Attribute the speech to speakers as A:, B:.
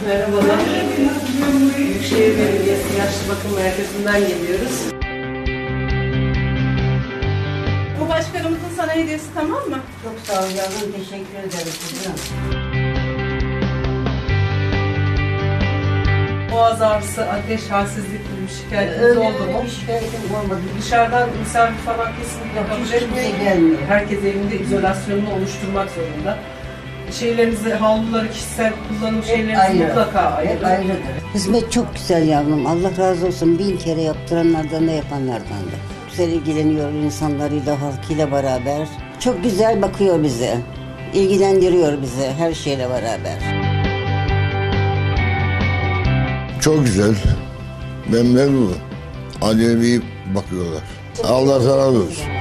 A: Merhabalar. Büyükşehir Belediyesi Yaşlı Bakım Merkezi'nden geliyoruz.
B: Bu başkanımızın sana hediyesi, tamam mı?
C: Çok sağ ol yavrum, teşekkür ederim kızım.
A: Boğaz ağrısı, ateş, halsizlik gibi şikayetiniz oldu mu?
C: Bir şikayetim olmadı.
A: Dışarıdan misafir falan kesinlikle kabul
C: Hiç kimse
A: etmeyin.
C: gelmiyor.
A: Herkes evinde izolasyonunu oluşturmak zorunda. Şeylerinizi, havluları, kişisel kullanım şeylerinizi
C: ayrı.
A: mutlaka
C: Hep
A: ayırın.
C: ayrıdır. Hizmet çok güzel yavrum. Allah razı olsun. 1000 kere yaptıranlardan da yapanlardan da. Güzel ilgileniyor insanlarıyla, halkıyla beraber. Çok güzel bakıyor bize. İlgilendiriyor bizi her şeyle beraber.
D: Çok güzel. Ben memnunum. Anneme iyi bakıyorlar. Allah razı olsun.